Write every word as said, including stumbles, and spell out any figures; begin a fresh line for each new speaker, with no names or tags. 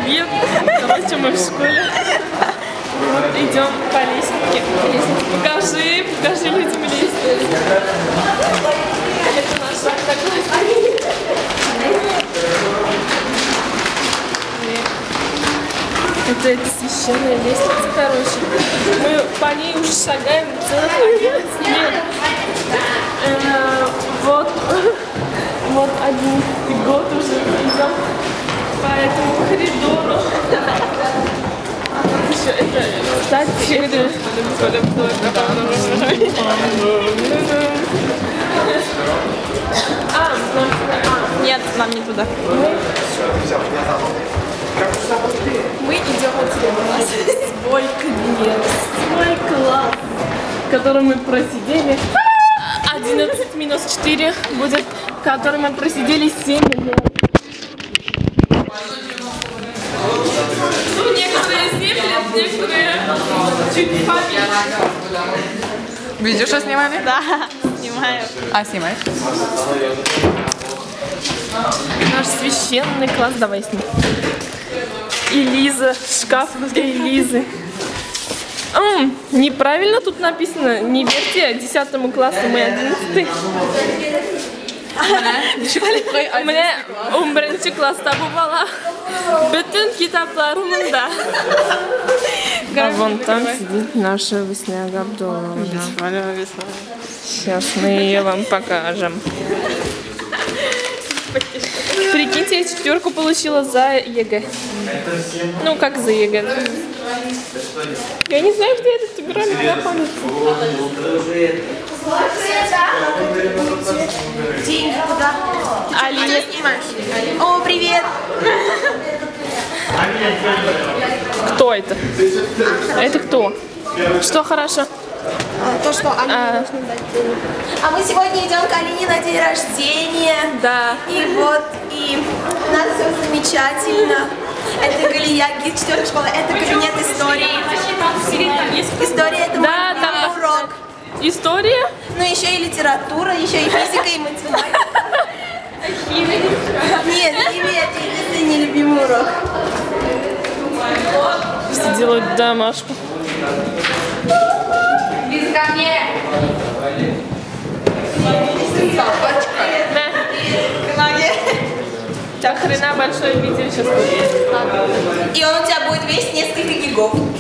привет! Короче, мы в школе. Вот идем по лестнице. Покажи, покажи людям лестницу. Это наша одноклассница. Это, это священная лестница, короче. Мы по ней уже шагаем целых одиннадцать лет. Э, вот, вот одиннадцатый год уже идем по этому коридору. А вот еще это, кстати, это... А,
нет, нам не туда.
Мы идем в свой кабинет, свой класс, в котором мы просидели одиннадцать минус четыре будет, в котором мы просидели семь лет. Ну, некоторые семь лет, некоторые чуть поменьше.
Видео снимаем?
Да, снимаю.
А, снимаешь?
Наш священный класс, давай снимай. И Лиза, шкаф для Лизы. М, неправильно тут написано, не верьте десятому классу, мы одиннадцатый. У меня он birinci класста бывала. Bütün kitaplarımda. А вон там сидит наша Весняга Абдуловна. Сейчас мы ее вам покажем. Прикиньте, я четверку получила за ЕГЭ. Ну, как за ЕГЭ? Я не знаю, где этот игральник находится.
Деньги куда?
Алина.
О, привет!
Кто это? Это кто? Что хорошо?
А, то, что Алине
А.
нужно дать денег. А мы сегодня идем к Алине на день рождения.
Да.
И вот, и у нас все замечательно. Это Галия, гид четвертой школы, это кабинет истории. История — это
Да,
мой
там
урок.
История?
Ну, еще и литература, еще и физика, и математика. Нет, химия — это единственный нелюбимый урок.
Все делают домашку.
Без ко мне!
Да. У тебя хрена большое видео сейчас будет.
И он у тебя будет весь несколько гигов.